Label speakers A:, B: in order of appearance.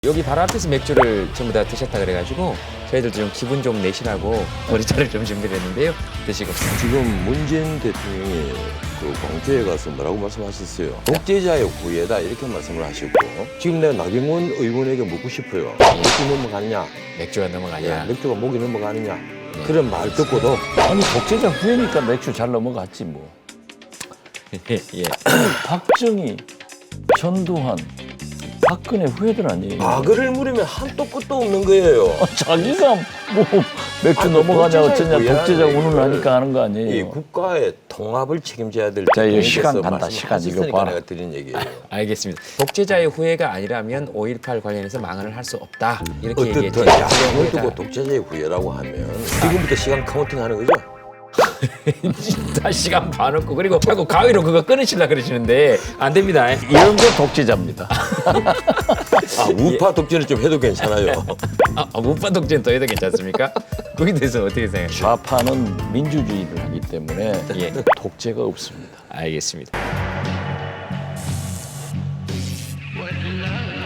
A: 여기 바로 앞에서 맥주를 전부 다 드셨다 그래가지고 저희들도 좀 기분 좀 내시라고 머리차를 좀 준비를 했는데요. 드시고.
B: 지금 문재인 대통령이 그 광주에 가서 뭐라고 말씀하셨어요? 독재자의 후예다 이렇게 말씀을 하시고 지금 내가 나경원 의원에게 묻고 싶어요. 목이 넘어가느냐?
A: 맥주가 넘어가냐.
B: 맥주가 목이 넘어가느냐? 그런 말 듣고도
C: 아니 독재자 후예니까 맥주 잘 넘어갔지 뭐.
A: 예.
C: 박정희, 전두환, 박근혜 후예들 아니에요.
B: 과거를 물으면 한도 끝도 없는 거예요.
C: 자기가 뭐 맥주
B: 아니,
C: 넘어가냐
B: 독재자의
C: 어쩌냐 독재자
B: 후예라는
C: 운운을 하니까 하는 거
B: 이
C: 아니에요.
B: 국가의 통합을 책임져야 될
C: 자, 이거
B: 대통령께서
C: 시간 간다, 시간 이거
B: 말씀하셨으니까
C: 봐라.
B: 내가 드린 얘기예요.
A: 알겠습니다. 독재자의 후예가 아니라면 5.18 관련해서 망언을 할 수 없다. 이렇게 얘기했죠.
B: 어쨌든 야당을 두고 독재자의 후예라고 하면 지금부터 시간 카운팅 하는 거죠?
A: 다 시간 봐놓고 그리고 자꾸 가위로 그거 끊으시려 그러시는데 안 됩니다.
C: 이런 게 독재자입니다.
B: 아, 우파 독재를 좀 해도 괜찮아요.
A: 우파 독재는 더 해도 괜찮습니까? 거기에 대해서 어떻게 생각하세요?
C: 좌파는 민주주의를 하기 때문에
A: 예.
C: 독재가 없습니다.
A: 알겠습니다.
D: What love